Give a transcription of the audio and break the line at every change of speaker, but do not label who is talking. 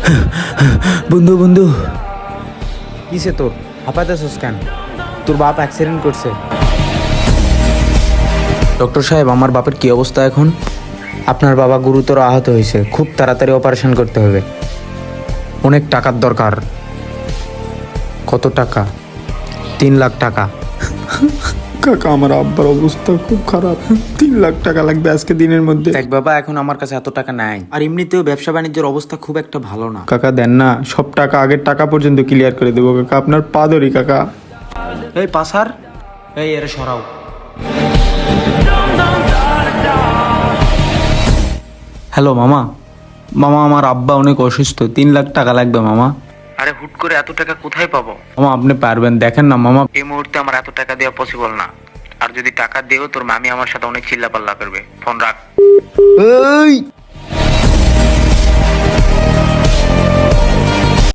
বন্ধু বন্ধু, কিসে তোর হাঁপাইতেছস কেন? তোর বাপ অ্যাক্সিডেন্ট করছে। ডক্টর সাহেব, আমার বাপের কি অবস্থা এখন? আপনার বাবা গুরুতর আহত হয়েছে, খুব তাড়াতাড়ি অপারেশন করতে হবে। অনেক টাকার দরকার। কত টাকা? 3 লাখ টাকা।
কাকা, আমার আব্বার অবস্থা খুব খারাপ, 3 লাখ টাকা লাগবে আজকে দিনের মধ্যে।
দেখ বাবা, এখন আমার কাছে এত টাকা নাই, আর এমনিতেও ব্যবসা বাণিজ্যের অবস্থা খুব একটা ভালো না।
কাকা দেন না, সব টাকা আগের টাকা পর্যন্ত ক্লিয়ার করে দেবো কাকা, আপনার পা ধরি কাকা।
এই পাসার, এই এর সরাও।
হ্যালো মামা, মামা আমার আব্বা অনেক অসুস্থ, 3 লাখ টাকা লাগবে মামা।
আরে হুট করে এত টাকা কোথায় পাবো?
মামা আপনি পারবেন, দেখেন না মামা।
এই মুহূর্তে আমার এত টাকা দেওয়া পসিবল না। আর যদি টাকা দেও, তোর মামি আমার সাথে অনেক চিল্লাপাল্লা করবে। ফোন রাখ।
এই